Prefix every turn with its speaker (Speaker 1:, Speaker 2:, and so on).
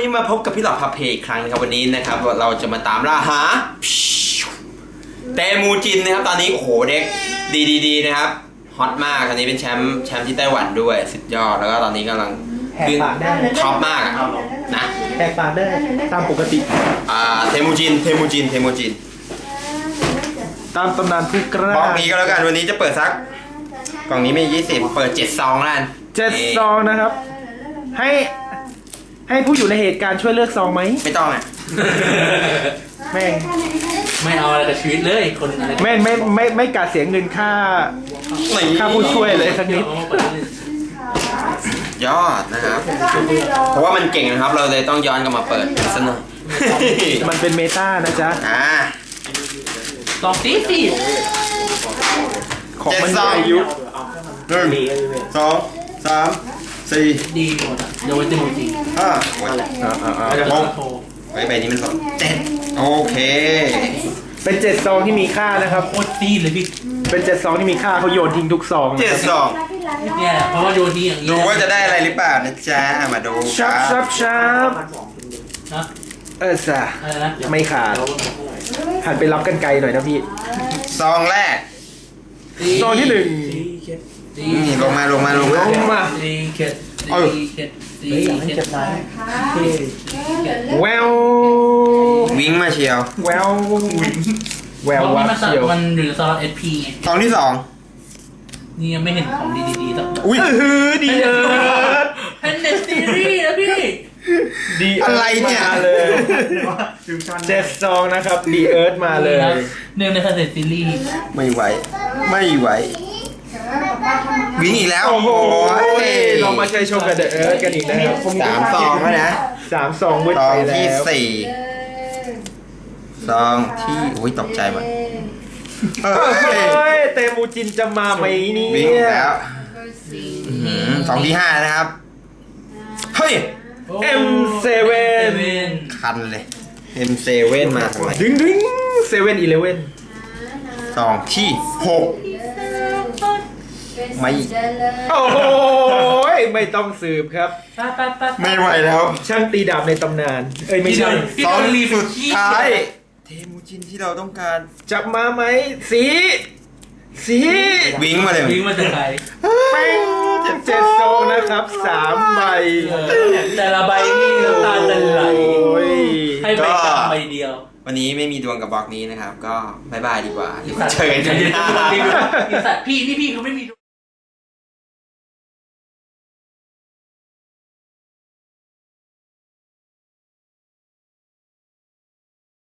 Speaker 1: นี้มาพบกับพี่หลอดพาเพอีกครั้งนะครับวันนี้นะครับเราจะมาตามล่าหาเตมูจินนะครับตอนนี้โอ้โหเด็กดีนะครับฮอตมากตอนนี้เป็นแชมป์ที่ไต้หวันด้วยสุดยอดแล้วก็ตอนนี้กำลังขึ้นท็อปมากนะ
Speaker 2: แหกปากได้ตามปกติ
Speaker 1: เทมูจิน
Speaker 2: ตามตำนานผู้กล้า
Speaker 1: บล็อกนี้ก็แล้วกันวันนี้จะเปิดซักกล่องนี้มี20เปิด7ซองแล้วกัน
Speaker 2: 7ซองนะครับให้ผู้อยู่ในเหตุการณ์ช่วยเลือกซองไหม
Speaker 1: ไม่ต้องอ่ะ
Speaker 2: แม่ง
Speaker 3: ไม่เอาอะไรกับชีวิตเลยคนอะไร
Speaker 2: ไม่กาเสียเงินค่าผู้ช่วยเลยสักนิด
Speaker 1: ยอดนะครับเพราะว่ามันเก่งนะครับเราเลยต้องย้อนกลับมาเปิดซะหน่อย
Speaker 2: มันเป็นเมตานะจ๊ะ
Speaker 3: ลองตีสิ
Speaker 2: ของมันอายุ
Speaker 1: 1 2 3 4
Speaker 3: ดีหมดอ่ะเดี๋ยวไว้เต็มจริง
Speaker 1: 6ใบนี้มัน7โอเค
Speaker 2: เป็น7ซองที่มีค่านะครับ
Speaker 3: โคตรตีเลยพี่
Speaker 2: เป็น7ซองที่มีค่าเขาโยนทิ้งทุกซอง
Speaker 1: 7ซอง
Speaker 3: เนี่ยเพราะว่าโยนทิ้งอย่างนี้
Speaker 1: ดูว่าจะได้อะไรหรือเปล่านะจ๊ะมาดู
Speaker 2: ชับจ้ะไม่ขาดหันไปรับกันไกลหน่อยนะพี่
Speaker 1: ซองแรก
Speaker 2: ซองที่1
Speaker 1: ลงมา
Speaker 2: แวว
Speaker 1: วิ่งมาเชียว
Speaker 2: แวววับเชียว
Speaker 3: มันหรือซอนSP
Speaker 1: ซองที่2
Speaker 3: นี่ยังไม่เห็นของดีๆต้อง
Speaker 1: อุ้ย
Speaker 2: ดี
Speaker 3: แพนเดซีรีส์นะพี่
Speaker 2: ดี
Speaker 1: อะไรเนี่ย
Speaker 2: เลย7ซองนะครับดีเอิร์ธมาเลย
Speaker 3: เนื่องในแพนเดซีรีส์
Speaker 1: ไม่ไหววิ่งอีกแล้ว
Speaker 2: โอ้โหเรามาใช้ชมกับเดอะเอิร์ธกันอีกแล้ว
Speaker 1: 3ซองแล้วนะ
Speaker 2: 3ซองเว้ยไปแล้ว
Speaker 1: ที่4ซองที่อุ้ยตกใจหมด
Speaker 2: เตมูจินจะมาไหมนี่
Speaker 1: วิ่งแล้วซองที่5นะครับเฮ้ย
Speaker 2: M7
Speaker 1: คันเลย M7 มาทำไม
Speaker 2: ดึง7-11
Speaker 1: ซองที่6
Speaker 2: โอ้โหไม่ต้องสืบครับ
Speaker 1: ไม่ไหวแล้ว
Speaker 2: ช่างตีดาบในตำนานไม่ใช่
Speaker 1: ซองสุดท้ายเทมูจินที่เราต้องการ
Speaker 2: จับมาไหมสี
Speaker 1: วิ่งมาเลย
Speaker 3: วิ่งมาจากไหน
Speaker 2: 7ซองนะครับ3ใบ
Speaker 3: แต่ละใบนี่น้ำตาจะไหลให้ใบกำใบเดียว
Speaker 1: วันนี้ไม่มีดวงกับบล็อกนี้นะครับก็บายดีกว่าเจอกันที่หน้า
Speaker 3: พี่เขาไม่มี